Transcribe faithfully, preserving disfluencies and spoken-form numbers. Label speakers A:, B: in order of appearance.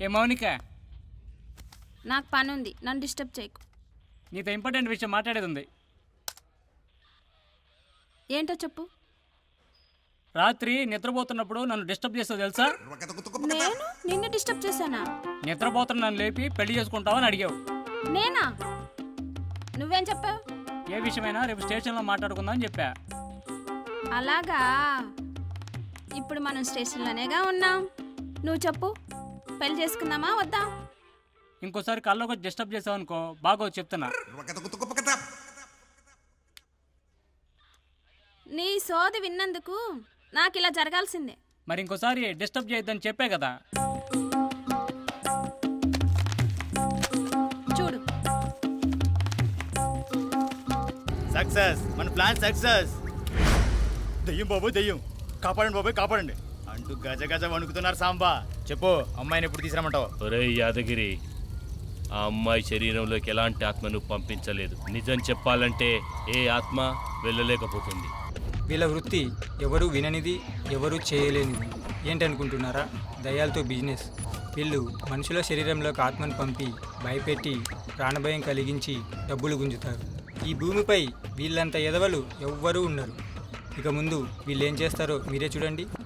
A: ఏ మౌనిక,
B: నాకు పని ఉంది, నన్ను డిస్టర్బ్ చేయకు.
A: నీతో ఇంపార్టెంట్ విషయం మాట్లాడేది ఉంది.
B: ఏంటో చెప్పు.
A: రాత్రి నిద్రపోతున్నప్పుడు నన్ను డిస్టర్బ్ చేస్తావు తెలుసా?
B: నేను నిన్ను డిస్టర్బ్ చేశానా?
A: నిద్రపోతున్న నన్ను లేపి పెళ్లి చేసుకుంటావని అడిగావు.
B: నేనా? నువ్వేం చెప్పావు?
A: ఏ విషయమైనా రేపు స్టేషన్లో మాట్లాడుకుందాం అని చెప్పా.
B: అలాగా, ఇప్పుడు మనం స్టేషన్లోనేగా ఉన్నాం. నువ్వు చెప్పు, పెళ్లి చేసుకుందామా వద్దా?
A: ఇంకోసారి కళ్ళకు వచ్చి డిస్టర్బ్ చేసావు అనుకో, బాగో చెప్తున్నా.
B: నీ సోది విన్నందుకు నాకు ఇలా జరగాల్సిందే.
A: మరి ఇంకోసారి డిస్టర్బ్ చేయొద్దని చెప్పే కదా.
B: చూడు,
C: సక్సెస్, మన ప్లాన్ సక్సెస్. దెయ్యం బాబు, దెయ్యం కాపాడండి బాబు, కాపాడండి అంటూ గజ గజ వణుకుతున్నారు. సాంబా చెప్పు, అమ్మాయిని ఎప్పుడు తీసుకురమ్మంటావు?
D: ఒరే యాదగిరి, ఆ అమ్మాయి శరీరంలోకి ఎలాంటి ఆత్మను పంపించలేదు. నిజం చెప్పాలంటే ఏ ఆత్మ వెళ్ళలేకపోతుంది.
E: వీళ్ళ వృత్తి ఎవరు విననిది, ఎవరు చేయలేనిది. ఏంటనుకుంటున్నారా? దయ్యాలతో బిజినెస్. వీళ్ళు మనుషుల శరీరంలోకి ఆత్మను పంపి భయపెట్టి ప్రాణభయం కలిగించి డబ్బులు గుంజుతారు. ఈ భూమిపై వీళ్ళంత ఎదవలు ఎవ్వరూ ఉన్నారు. ఇక ముందు వీళ్ళు ఏం చేస్తారో మీరే చూడండి.